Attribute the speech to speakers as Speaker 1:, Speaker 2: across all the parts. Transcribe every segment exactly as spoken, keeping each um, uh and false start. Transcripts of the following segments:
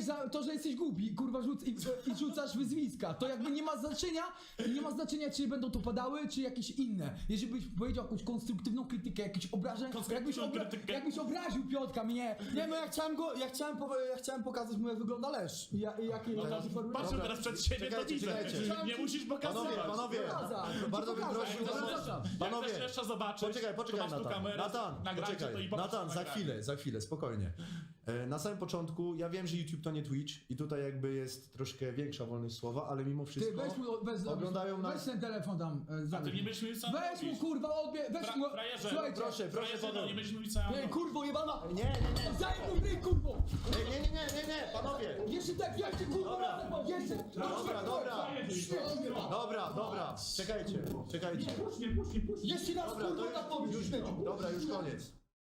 Speaker 1: za to, że jesteś głupi, kurwa, rzuc i, i rzucasz wyzwiska. To jakby nie ma znaczenia, nie ma znaczenia, czy będą to padały, czy jakieś inne. Jeżeli byś powiedział jakąś konstruktywną krytykę, jakieś obrażeń, jakbyś, obra jakbyś obraził Piotrka, mnie.
Speaker 2: Nie no, ja chciałem go, ja chciałem, po, ja chciałem pokazać mu, jak wygląda Lesz.
Speaker 1: I, ja, i jakie
Speaker 3: No
Speaker 1: jakie
Speaker 3: to
Speaker 1: formy-
Speaker 3: patrzę
Speaker 2: Dobra.
Speaker 3: teraz przed siebie, to
Speaker 2: Czekajcie,
Speaker 3: widzę.
Speaker 2: czekajcie.
Speaker 3: Nie musisz pokazywać.
Speaker 2: Panowie, panowie,
Speaker 1: Pokazać.
Speaker 2: bardzo bym
Speaker 1: Pokazać.
Speaker 2: prosił was...
Speaker 1: Zapraszam.
Speaker 3: Jak
Speaker 2: Panowie,
Speaker 3: chcesz jeszcze zobaczyć,
Speaker 2: Poczekaj,
Speaker 3: to
Speaker 2: poczekaj,
Speaker 3: masz tu
Speaker 2: Natan.
Speaker 3: kamerę,
Speaker 2: Natan,
Speaker 3: nagrajcie to
Speaker 2: poczekaj.
Speaker 3: i popatrz
Speaker 2: Natan,
Speaker 3: na
Speaker 2: za
Speaker 3: nagranie.
Speaker 2: chwilę, za chwilę, spokojnie. E, Na samym początku, ja wiem, że YouTube to nie Twitch i tutaj jakby jest troszkę większa wolność słowa, ale mimo
Speaker 1: Ty,
Speaker 2: wszystko
Speaker 1: weź mu, weź,
Speaker 2: oglądają
Speaker 1: weź
Speaker 2: nas...
Speaker 1: ten telefon tam. e,
Speaker 3: A ty
Speaker 1: zabierz.
Speaker 3: nie będziesz mówił, co
Speaker 1: Weź mu
Speaker 3: robisz.
Speaker 1: kurwa, odbie, weź
Speaker 3: Fra-
Speaker 1: mu...
Speaker 3: frajerze,
Speaker 1: Słuchajcie,
Speaker 2: Proszę, proszę,
Speaker 3: Frajerze, no,
Speaker 2: panowie.
Speaker 3: nie będziesz mówił, co ja
Speaker 1: Ej,
Speaker 3: mam.
Speaker 1: kurwo jebana!
Speaker 2: Nie, nie, nie,
Speaker 1: Zaj mu ryj, kurwo!
Speaker 2: nie, nie, nie, nie, nie, panowie.
Speaker 1: Jeszcze tak, jeszcze kurwa
Speaker 2: Dobra.
Speaker 1: razem, bo jeszcze...
Speaker 2: Dobra, dobra. Dobra, dobra, czekajcie, czekajcie.
Speaker 3: Puść mnie, puść mnie, puść mnie.
Speaker 1: Jeszcze raz
Speaker 2: Dobra,
Speaker 1: kurwa
Speaker 2: to
Speaker 1: tak
Speaker 2: już,
Speaker 1: powiedz,
Speaker 2: już,
Speaker 1: śmieciu.
Speaker 2: dobra, już koniec.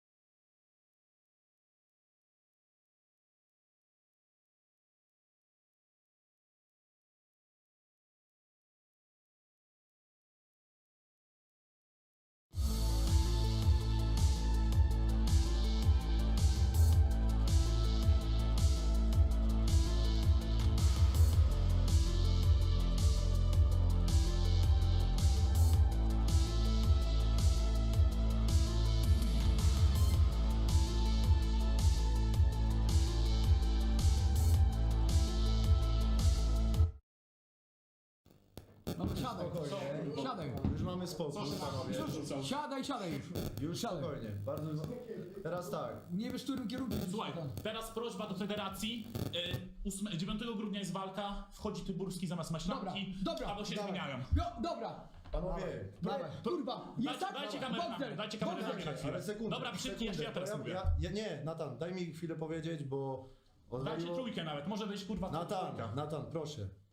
Speaker 1: No siadaj, siadaj.
Speaker 2: Już mamy spokój, panowie.
Speaker 1: Siadaj, siadaj już.
Speaker 2: Już
Speaker 1: Siadaj.
Speaker 2: spokojnie, bardzo... Teraz tak.
Speaker 1: Nie wiesz, którym kierunkiem...
Speaker 3: Słuchaj, teraz prośba do federacji. Y, dziewiątego grudnia jest walka, wchodzi Tyburski zamiast
Speaker 1: Dobra,
Speaker 3: Maślanki,
Speaker 1: dobra.
Speaker 3: albo się
Speaker 1: dawaj.
Speaker 3: zmieniają.
Speaker 1: Jo, dobra.
Speaker 2: Panowie,
Speaker 1: Dawaj. Kurwa, jest
Speaker 3: Dajcie,
Speaker 1: tak?
Speaker 3: dajcie kamerę na mnie,
Speaker 1: Bogdan,
Speaker 3: dajcie kamerę na
Speaker 1: Bogdan.
Speaker 3: mnie na chwilę.
Speaker 2: ale sekundę.
Speaker 3: Dobra, przytnij
Speaker 2: sekundę,
Speaker 3: jeszcze, ja teraz
Speaker 2: bo
Speaker 3: mówię.
Speaker 2: ja, ja, Nie, Natan, daj mi chwilę powiedzieć, bo...
Speaker 3: Dajcie
Speaker 2: odwaliło-
Speaker 3: trójkę nawet, może być kurwa
Speaker 2: Natan,
Speaker 3: trójka.
Speaker 2: Natan, proszę.